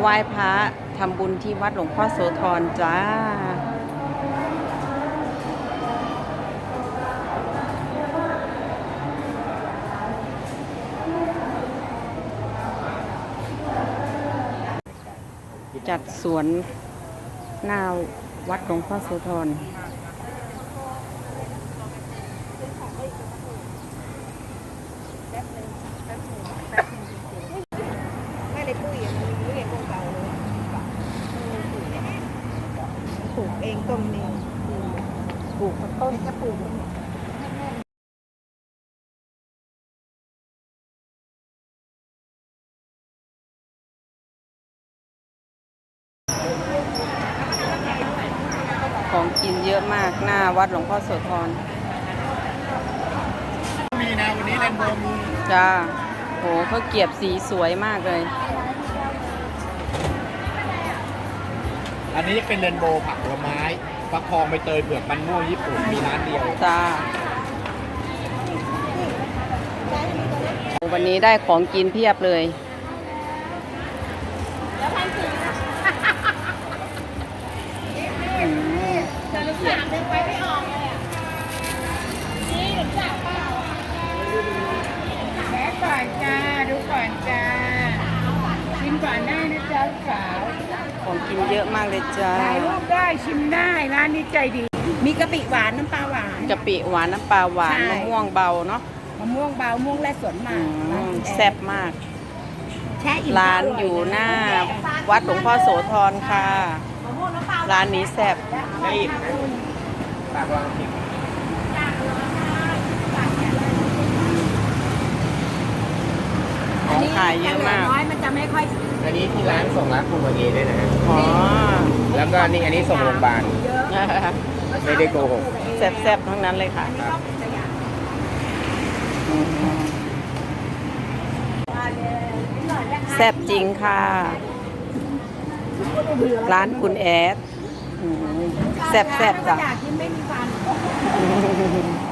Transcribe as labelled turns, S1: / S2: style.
S1: ไหว้พระทำบุญที่วัดหลวงพ่อโสธรจ้าจัดสวนหน้าวัดหลวงพ่อโสธร
S2: ไม่ได้ปุ้ยมันมีเรียกเก่าเลยปลูกเองต้นนี้ปลูกต้นจะปลูก
S1: ของกินเยอะมากหน้าวัดหลวงพ่อโสธร
S3: มีนะวันนี้แรนโบว์มี
S1: จ้าโหเขาเกียบสีสวยมากเลย
S3: อันนี้เป็นเรนโบว์ผักผลไม้ฟักทองใบเตยเผือกมันม่วงญี่ปุ่นมีร้านเดียว
S1: จ้าวันนี้ได้ของกินเพียบเลย
S2: แม่ก่อนจ้าดูก่อนจ้าชิมก่อนได้นะจ๊ะสาว
S1: ของกินเยอะมากเลยจ้า
S2: ถ่ายรูปได้ชิมได้ร้านนี้ใจดี มีกะปิหวานน้ำปลาหวาน
S1: กะปิหวานน้ำปลาหวาน
S2: ใช่
S1: มะม่วงเบาเนาะ
S2: มะม่วงเบามะม่วงและสวนหมาก
S1: แซ่บมาก
S2: แช่อิ่ม
S1: ร้านอยู่หน้าวัดหลวงพ่อโสธรค่ะร้านนี้แซ่บ
S3: ได้อีกนะปากวางผิด
S1: ของขายเยอะมาก
S2: น้อยมันจะไม่ค่อย
S3: อันนี้ที่ร้านส่งร้านคุณวันนี้ด้วยนะ
S1: อ๋อ
S3: แล้วก็นี่อันนี้ส่งโรงพยาบาลไม่ได้โกหก
S1: แซ่บๆทั้งนั้นเลยค่ะแซ่บจริงค่ะ ร้านคุณแอดแซ่บๆจ้ะ
S2: อยากกินไม่มีฟัน